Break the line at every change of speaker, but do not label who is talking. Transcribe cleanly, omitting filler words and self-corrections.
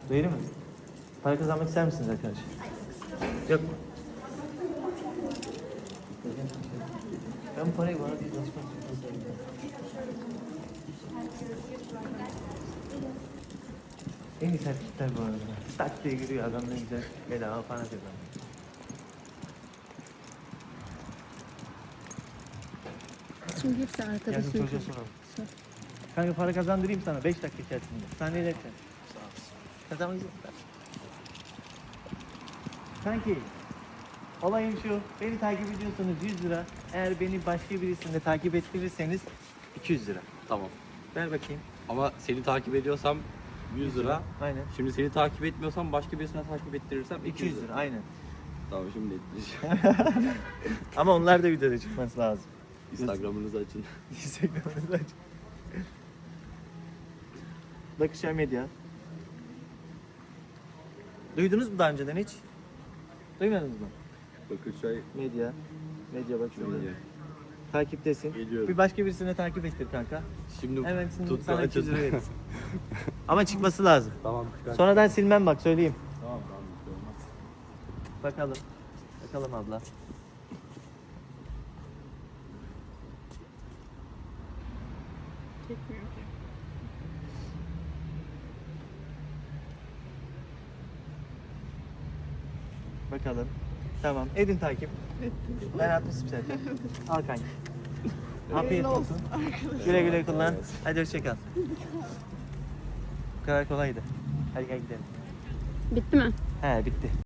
Değil mi? Para kazanmak ister misiniz arkadaşlar? Yok mu? Ben bu parayı bana değil, nasıl en iyi sertlikler bu arada. Tak diye giriyor adam, ne güzel bedava para kazanıyor.
Şimdi hepsi arkada
Yarın
sürüyor.
çocuğa soralım. Kanka para kazandırayım sana 5 dakika içerisinde. Sen ne dersin? Sağ olasın. Kazanmak istiyorsan. Kanki, olayım şu, beni takip ediyorsanız 100 lira. Eğer beni başka birisinde takip ettirirseniz 200 lira.
Tamam.
Ver bakayım.
Ama seni takip ediyorsam 100 lira.
Aynen.
Şimdi seni takip etmiyorsam başka birisine takip ettirirsem
200 lira, aynen.
Tamam şimdi ettireceğim.
Ama onlar da videoda çıkması lazım.
Instagram'ınızı açın.
Instagram'ınızı aç. Bakışar Medya. Duydunuz mu daha önceden hiç? Duymadınız mı?
Bakırçay
Medya. Medya bak şurada.
Medya.
Takiptesin.
Geliyorum.
Bir başka birisine takip ettir kanka.
Şimdi
Hemen
tut
sana 200
açın.
lira veririz. Ama çıkması lazım.
Tamam çıkar.
Sonradan silmem bak, söyleyeyim.
Tamam tamam. Bir şey olmaz.
Bakalım. Bakalım abla.
Çekmiyor ki.
Bakalım. Tamam. Edin takip. Ben atmışım zaten. Al kanka. Afiyet olsun. Güle güle kullan. Hadi hoşça kal. Bu kadar kolaydı. Hadi gel gidelim.
Bitti mi?
He bitti.